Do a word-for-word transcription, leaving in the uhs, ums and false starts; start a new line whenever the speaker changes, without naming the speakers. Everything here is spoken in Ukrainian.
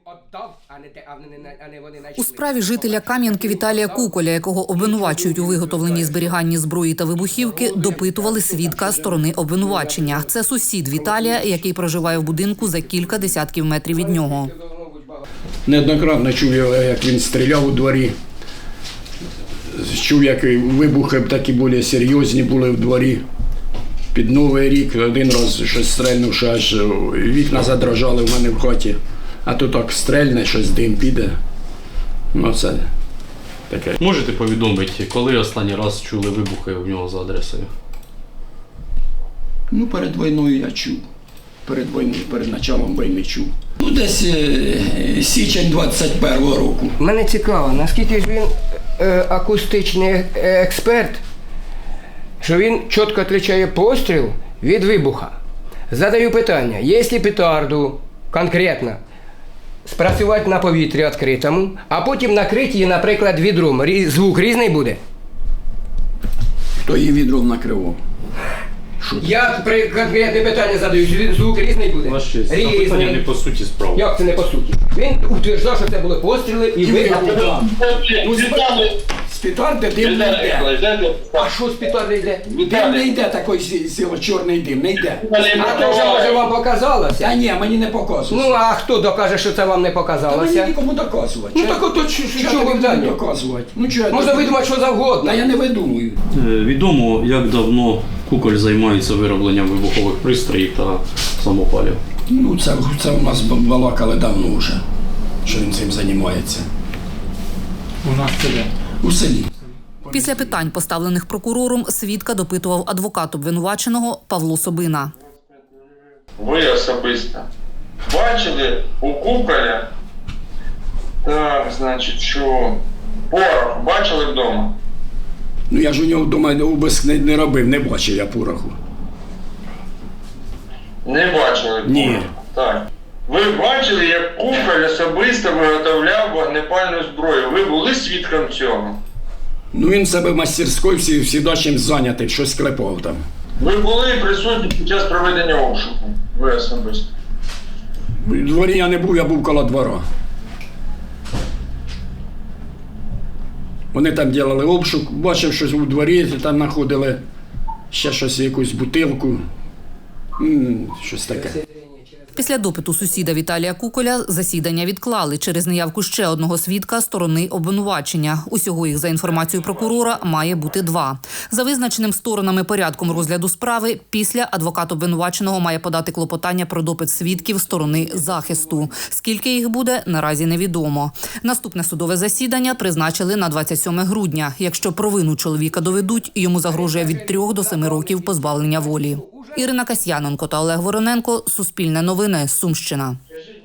У справі жителя Кам'янки Віталія Куколя, якого обвинувачують у виготовленні і зберіганні зброї та вибухівки, допитували свідка сторони обвинувачення. Це сусід Віталія, який проживає в будинку за кілька десятків метрів від нього.
Неоднократно чув, як він стріляв у дворі. Чув, як вибухи такі більш серйозні були в дворі. Під Новий рік один раз щось стрельнувши, аж вікна задрожали в мене в хаті. А то так стрельне, щось дим піде. Ну це таке.
Можете повідомити, коли останній раз чули вибухи у нього за адресою?
Ну, перед війною я чув. Перед війною, перед початком війни чув. Ну, десь е, січень двадцять першого року.
Мене цікаво, наскільки ж він е, акустичний експерт, що він чітко відрізняє постріл від вибуха. Задаю питання, якщо петарду конкретно спрацювати на повітрі відкритому, а потім накрити її, наприклад, відром, звук різний буде?
Хто її відром накривав? Що це?
Я при конкретне питання задаю, звук різний буде?
Ваше честь, запитання не по суті справи.
Як це не по суті? Він утверджав, що це були постріли і вибухи.
Ну, з петарди дим не йде.
А що з петарди йде?
Дим не йде, такий сіло, чорний дим, не йде.
А то вже, може, вам показалося?
Та ні, мені не показується.
Ну, а хто докаже, що це вам не
Та мені
показалося?
нікому доказувати.
Ну, так ото чого ви вдалі?
доказувати? Ну, чого я
Можна
доказую?
видумати, що завгодно.
Та я не видумую.
Відомо, як давно Куколь займається виробленням вибухових пристроїв та самопалів?
Ну, це, це у нас балакали давно вже, що він цим займається.
У нас це де?
У селі.
Після питань, поставлених прокурором, свідка допитував адвокат обвинуваченого Павло Собина.
Ви особисто бачили у Куколя, так, значить, що порох бачили вдома?
Ну, я ж у нього вдома обиск не, не робив, не бачив я пороху.
Не бачили?
Ні.
Порох? Так. Ви бачили, як Куколь особисто виготовляв вогнепальну зброю? Ви були свідком цього?
Ну, він в себе в мастерській всі, всі чим зайнятий, щось клепав там.
Ви були присутні під час проведення обшуку? Ви особисто?
В дворі я не був, я був коло двора. Вони там робили обшук, бачив щось у дворі, там знаходили ще щось, якусь бутилку, М, щось таке.
Після допиту сусіда Віталія Куколя засідання відклали через неявку ще одного свідка сторони обвинувачення. Усього їх, за інформацією прокурора, має бути два. За визначеним сторонами порядком розгляду справи, після адвокат обвинуваченого має подати клопотання про допит свідків сторони захисту. Скільки їх буде, наразі невідомо. Наступне судове засідання призначили на двадцять сьоме грудня. Якщо провину чоловіка доведуть, йому загрожує від трьох до семи років позбавлення волі. Ірина Касьяненко та Олег Вороненко. Суспільне новини. Сумщина.